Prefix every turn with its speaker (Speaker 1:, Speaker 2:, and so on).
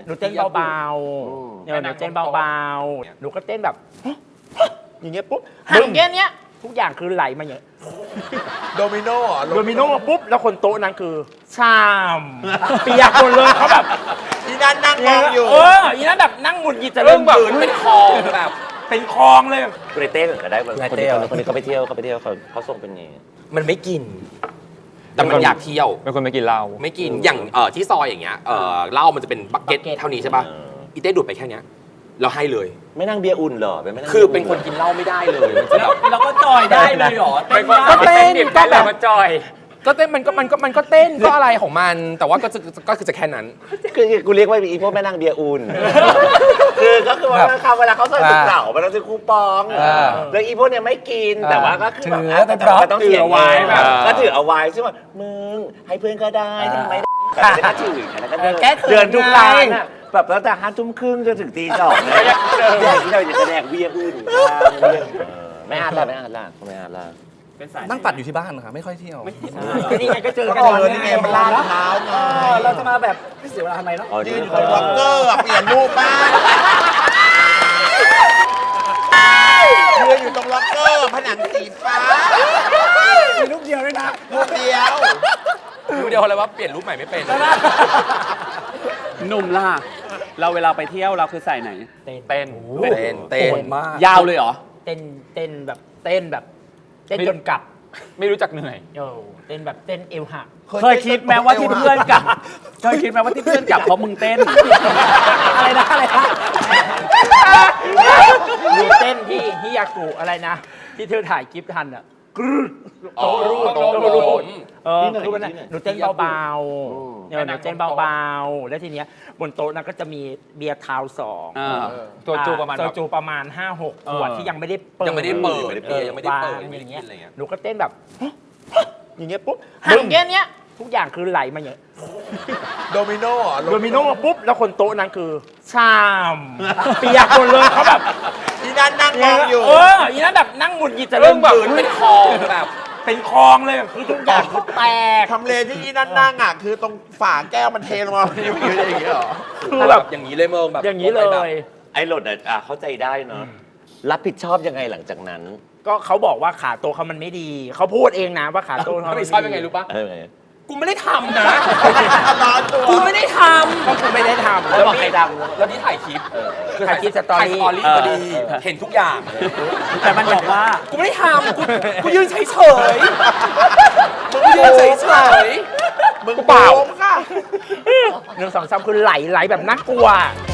Speaker 1: หนูเต้นเบาๆหนูเต้นเบาๆหนูก็เต้นแบบอย่างเงี้ยปุ๊บห่างแค่เนี้ยทุกอย่างคือไหลมาอย่างเงี้ย
Speaker 2: โดมิโน่เหรอ
Speaker 1: โดมิโน่มาปุ๊บแล้วคนโต๊ะนั้นคือชามเปียกหมดเลยเขาแบบ
Speaker 2: อีนั่นนั่งมองอยู่
Speaker 1: อีนั้นแบบนั่งหงุดหงิดจะเริ่มแบบเป็นคลองแบบเป็นคลองเลย
Speaker 3: คุณเต้เหมือนกันได้คน
Speaker 1: เต้
Speaker 3: นี้เขาไปเที่ยวเขาส่งเป็นไง
Speaker 4: มันไม่กิน แต่มันอยากเที่ยว
Speaker 5: เป็นคนไม่กินเหล้า
Speaker 4: ไม่กินอย่างที่ซอยอย่างเงี้ยเหล้ามันจะเป็นบักเก็ตเท่านี้ใช่ป่ะอีเต้ดูดไปแค่เนี้ยเราให้เลย
Speaker 3: ไม่นั่งเบียร์อุ่นเหรอไม่นั่ง
Speaker 4: คือเป็นคนกินเหล้าไม่ได้เลยมันจะแบบ
Speaker 1: เราก็จอยได้เลยหรอ
Speaker 4: ก็เต้นก็แบบ
Speaker 5: มาจอย
Speaker 4: ก็เต้นมันก็เต้นก็อะไรของมัน แต่ว่าก็คือจะแค่นั้น
Speaker 3: คือกูเรียกว่าอีพวกแม่นั่งเบียร์อุ่นคือก็คือว่าเขาเวลาเขาใส่ถุงเต่ามันต้องซื้อคูปองแล้วอีพวกเนี่ยไม่กินแต่ว่าก็คือแบบต้องถือเอาไว้แบบก็ถือเอาไว้ใช่ไหมมึงให้เพื่อนก็ได้ทำไมแต่ก็ถือแล้วก็เดินทุกร้านอ่ะแบบตั้งแต่5 ทุ่มครึ่งจนถึงตี 2เลยแดกที่เราจะแดกเบียร์อุ่นไม่อาดล่ะ
Speaker 6: นั่งปัดอยู่ที่บ้านนะครับไม่ค่อยเที่ยว
Speaker 1: ก็นี่ไงก็เจอกัน
Speaker 2: นี่ไงมันลาดเท้าไง
Speaker 6: เราจะมาแบบไม่เสียเวลาทำไมเนาะ
Speaker 2: ยืนอยู่บนล็อกเกอร์เปลี่ยนรูปบ้างยืนอยู่ตรงล็อกเกอร์ผนังสีฟ้า
Speaker 6: มีลูกเดียวด้วยนะ
Speaker 2: รูปเดียว
Speaker 4: ดูเดียวอะไรว่าเปลี่ยนรูปใหม่ไม่เป็น
Speaker 7: หนุ่มล่ะ เราเวลาไปเที่ยวเราคือใส่ไหน
Speaker 5: เต้น
Speaker 4: เต้นมาก
Speaker 7: ยาวเลยเหรอ
Speaker 1: เต้นแบบเต้นจนกลับ
Speaker 5: ไม่รู้จักเหนื่อย
Speaker 1: เต้นแบบเต้นเอวหัก
Speaker 7: เคยคิดไหมว่าที่เพื่อนกลับเคยคิดไหมว่าที่เพื่อนกลับเพราะมึงเต้น
Speaker 1: อะไรนะมีเต้นที่ฮิยากุอะไรนะ ที่เธอถ่ายคลิปทันอ่ะโตรูคือมันหนูเต้นเบาๆหนูเต้นเบาๆแล้วทีเนี้ยบนโต๊ะนั้นก็จะมีเบียร์ทาวน์2
Speaker 5: ตัวจูประมาณ
Speaker 1: โซจูประมาณ 5-6 ขวดที่ยังไม่ได้เปิด
Speaker 4: ยังไม่ได้เปิดยังไม่ได้เปิด
Speaker 1: อ
Speaker 4: ยังไม่ได้
Speaker 1: ย่าง
Speaker 4: กิ
Speaker 1: เงี้
Speaker 4: น
Speaker 1: ย
Speaker 4: อะไรเงี้ย
Speaker 1: หนูก็เต้นแบบอย่างเงี้ยปุ๊บห่างแค่เนี้ยทุกอย่างคือไหลมาอย่างเงี้ย
Speaker 2: โดมิโน่เหรอ
Speaker 1: โดมิโน่มาปุ๊บแล้วคนโต๊ะนั้นคือชามเปียกหมดเลยเขาแบบ
Speaker 2: อีนั่นนั่งมองอยู่
Speaker 1: อีนั้นแบบนั่งหงุดหงิดจะเริ่มแบบ
Speaker 4: เป็นคลองแบบ
Speaker 1: เป็นคลองเลยคือทุกอย่างคือแตก
Speaker 2: ทำเลที่อีนั่นนั่งอ่ะคือตรงฝาแก้วมันเทลงมาอย่างเงี้ยเหรอ
Speaker 1: คือแบบ
Speaker 4: อย่างนี้เลยเมืองแบบ
Speaker 1: อย่างนี้เลย
Speaker 3: ไอ้หลดเข้าใจได้เนาะรับผิดชอบยังไงหลังจากนั้น
Speaker 1: ก็เขาบอกว่าขาโต๊ะเขามันไม่ดี เขาพูดเองนะว่าขาโต๊ะเขา
Speaker 4: ไม่ชอบยังไงรู้ปะกูไม่ได้ทำนะ
Speaker 2: ร้อนตัว
Speaker 4: กูไม่ได้ท
Speaker 1: ก็คือไม่ได้ทำ
Speaker 3: แล้วบอกใครดัง
Speaker 4: ำแล้วนี่ถ่ายคลิป
Speaker 1: ถ่ายคลิปสตอรี่
Speaker 4: พอดี เห็นทุกอย่าง
Speaker 7: แต่มันบอกว่า
Speaker 4: กูไม่ได้ทำกูยืนเฉยๆมึงยืนเฉย
Speaker 2: มึงเปล่าค่ะ
Speaker 1: 1 2 3คือไหลแบบน่ากลัว